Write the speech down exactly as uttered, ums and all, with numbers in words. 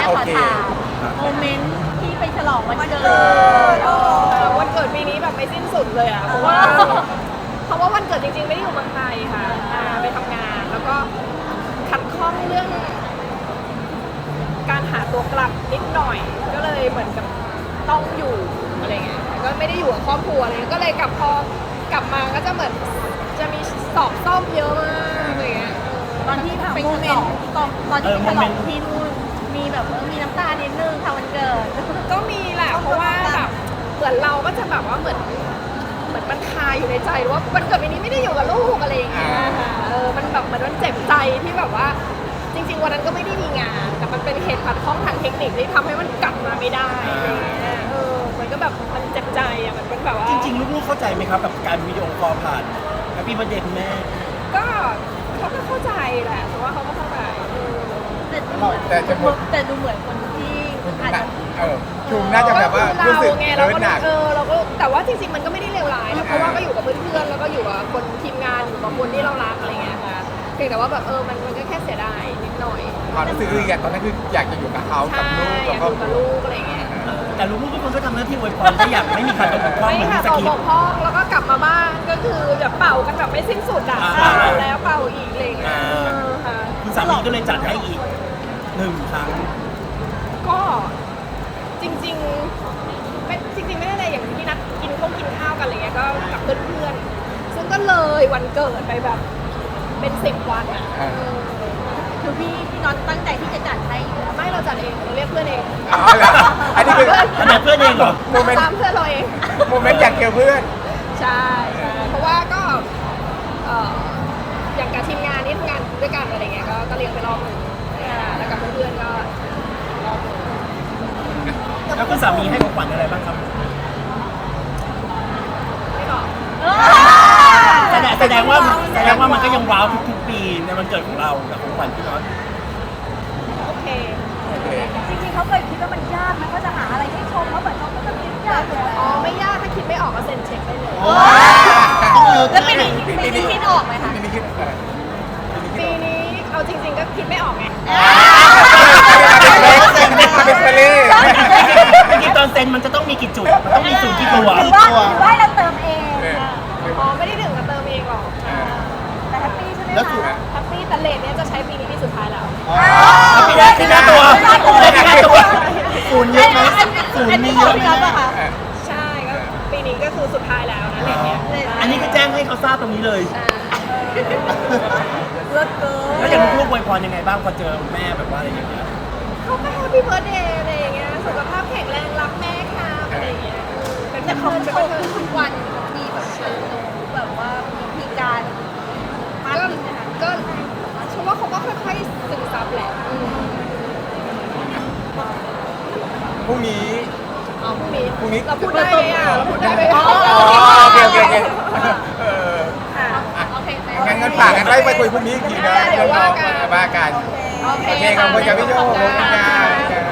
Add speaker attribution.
Speaker 1: ขอถามโมเมนต์ที่ไปฉลองวันเกิด
Speaker 2: วันเกิดปีนี้แบบไม่สิ้นสุดเลยอ่ะเพราะว่าเพราะว่าวันเกิดจริงๆไม่ได้อยู่เมืองไทยค่ะอ่าไปทำงานแล้วก็ขัดข้องเรื่องการหาตัวกลับนิดหน่อยก็เลยเหมือนกับต้องอยู่อะไรเงี้ยก็ไม่ได้อยู่กับครอบครัวเลยก็เลยกลับพอกลับมาก็จะเหมือนจะมีสอบซ่อมเยอะมากอะไรเงี้ย
Speaker 1: ตอนที่ไปฉลองตอนตอนที่ไปฉลองที่นู่นมีแบบเออมีน้ำตานิดนึงค่ะวันเกิด
Speaker 2: ก็มีแหละเพราะว่าแบบเหมือนเราก็จะแบบว่าเหมือนเหมือนมันคาอยู่ในใจว่าวันเกิดปีนี้ไม่ได้อยู่กับลูกอะไรอย่างเงี้ยค่ะเออมันแบบเหมือนมันเจ็บใจที่แบบว่าจริงๆวันนั้นก็ไม่ได้มีงานแต่มันเป็นเหตุขัดข้องทางเทคนิคที่ทำให้มันกลับมาไม่ได้อะไรอย่างเงี้ยเออมันก็แบบมันเจ็บใจอ่ะมันเป็นแบบว่า
Speaker 3: จริงๆลูกๆเข้าใจไหมครับกับการวิดีโอคอลผ่านแฮปปี้วันเดย์คุณแม่
Speaker 2: ก็เขาก็เข้าใจแหละแต่ว่าเขาก็เข้าใจเออ
Speaker 1: แต่ดูเหมือนแต่ดูเหมือนคนที่อาจจะ
Speaker 4: เออจูมน่าจะแบบว่า
Speaker 2: ก็
Speaker 4: รู้สึก
Speaker 2: คือเราไง
Speaker 4: เลิ
Speaker 2: เรา
Speaker 4: ศ
Speaker 2: ก็
Speaker 4: หนัก
Speaker 2: เออเราก็แต่ว่าจริงๆมันก็ไม่ได้เลวร้ายนะเพราะว่าก็อยู่กับเพื่อนๆแล้วก็อยู่กับคนทีมงานอยู่กับคนที่เรารักอะไรเงี้ยค่ะเพียงแต่ว่าแบบเออมันมันก็แค่เสียดายนิดหน่อย
Speaker 4: ความรู้สึกคืออยากตอนนั้นคืออยากจะอยู่กับเขากับ
Speaker 2: ใช่
Speaker 4: ลูก
Speaker 2: อ
Speaker 4: กับ
Speaker 2: ยาก
Speaker 4: ครอบ
Speaker 2: อยู่
Speaker 4: ครัว
Speaker 2: กับลูกอะไรเงี้ย
Speaker 3: แต่ลูกๆทุกคนก็ทำหน้าที่อวยพรก็อยากไม่มีใครตกบกพร่อง
Speaker 2: ไม่
Speaker 3: เหมือน
Speaker 2: ค่ะ
Speaker 3: ในส
Speaker 2: ต่อ
Speaker 3: คริ
Speaker 2: บ
Speaker 3: ป
Speaker 2: ก
Speaker 3: ต์
Speaker 2: พร่องแล้วก็กลับมาบ้านก็คือแบบเป่ากันแบบไม่สิ้นสุดอ่ะ
Speaker 3: อ่า
Speaker 2: เป่าแล้วเป่าอีกอะไรเงี้ย
Speaker 3: อ่า
Speaker 2: เออค่ะ
Speaker 3: คุณสามีก็เลยจัดให้อีกหนึ่งครั้ง
Speaker 2: ก็จริงๆเป็นจริงๆไม่ได้อะไรอย่างที่นัดกินข้าวกินข้าวกันอะไรเงี้ยก็กับเพื่อนๆซึ่งก็เลยวันเกิดไปแบบเป็นสิบวันอ่ะ
Speaker 4: อ่า
Speaker 2: เออ
Speaker 1: คือพี่พี่น็อตตั้งใจที่จะจัดให้อยู่แล้ว
Speaker 2: ไม่เราจัดเองเราเรียกเพื่อนเอง
Speaker 4: อ๋อเหรออันนี้คือ
Speaker 3: อันนั้นเพื่อนเองเหรอ
Speaker 4: โมเมนต์
Speaker 2: ตามเพื่อนเราเอง
Speaker 4: โมเมนต์อยากเจอเพื่อน
Speaker 2: ใช่ใช่เพราะว่าก็เอ่ออย่างกับทีมงานนี่ทำงานด้วยกันอะไรเงี้ยก็ก็เลี้ยงไปรอบหนึงอ่าแล้วกับเพื่อนๆก็รอบหนึง
Speaker 3: แล้วคุณสามีให้ของขวัญอะไรบ้างครับ
Speaker 2: ไม่บอก
Speaker 3: แสดงแสดงว่าแสดงว่ามันก็ยังว้าวทุกๆปีในวันเกิดของเรากับของขวัญพี่น็อต
Speaker 2: โอเค
Speaker 4: โอเค
Speaker 1: จริงๆเขาเคยคิดว่ามันยากไหมเขาจะหาอะไรให้ชมเขาเหมือนเขาก็จะคิดยากเลย
Speaker 2: อ๋อไม่ยากถ้าคิดไม่ออกก็เซ็นเช็คได้เลย
Speaker 1: แล้วปีนี้ปีนี้คิดออกไหมคะ
Speaker 4: ปีนี้คิดเออ
Speaker 2: ปีนี้เอาจริง ๆ ก็คิดไม่ออกไง
Speaker 4: เป็นทะเล
Speaker 3: จริงๆตอนเซ็นมันจะต้องมีกี่จุด มันต้องมีศูนย์กี่ตัว
Speaker 1: หรือว่าหรือว่าเราเติมเอง
Speaker 2: อ๋อไม่ได้ถึงกับเติมเองหรอก
Speaker 1: แต่แฮปปี้ใช่ไหม
Speaker 4: แล้วถูก
Speaker 1: คะ
Speaker 2: แฮปปี้แต่เลทเนี้ยจะใช้ปีนี้ปีสุดท้ายแล้ว
Speaker 3: ปีหน้าปีหน้าตัวปีหน้าตัว
Speaker 1: ศูนย์เยอะไหมศูนย์มีเยอะไหมคะ
Speaker 2: ใช่ก็ปีนี้ก็คือสุดท้ายแล้วนะเลทเนี้ย
Speaker 3: อันนี้ก็แจ้งให้เขาทราบตรงนี้เลย
Speaker 2: ใช่
Speaker 1: เลิศเกิน
Speaker 3: แล้วอย่างลูกๆอวยพรยังไงบ้างพอเจอแม่แบบว่าอะไรอย่างเงี้ย
Speaker 2: เขาก็แฮปปี้เบิร์ดเดย์อะไรอย่างเงี้ยสุขภาพแข็งแรงรักแม่ค่ะอะไรอย่างเงี้ยเป็น
Speaker 1: แต่
Speaker 2: เพื่
Speaker 1: เขา
Speaker 2: อน
Speaker 1: โต
Speaker 2: เป็น
Speaker 1: ขึ้น
Speaker 2: เพื่อน
Speaker 1: ทุกวันมีแบบเติบโตแบบว่ามีวิธีการมาก
Speaker 2: ก็
Speaker 1: ขึ้นนะคะ
Speaker 2: ก็เชื่อว่าเขาก็ค่อยๆซึมซับแหละอืม
Speaker 4: พรุ่งนี้
Speaker 2: อ๋อพรุ่งนี้
Speaker 4: พรุ่งนี้
Speaker 2: เราพูดได้ไหมอ่ะเราพูดได้ไหม
Speaker 4: อ๋อโอเคโอเคโอเคเออ
Speaker 2: ค่ะ
Speaker 1: โอเค
Speaker 4: งั้นงั้นฝากกันไว้ไปคุยพรุ่งนี้อีกทีนะ
Speaker 2: เดี๋ยวว่ากัน
Speaker 4: ว่ากัน
Speaker 2: โอเค
Speaker 4: โอเคขอบคุณครับพี่โยขอบคุณครับ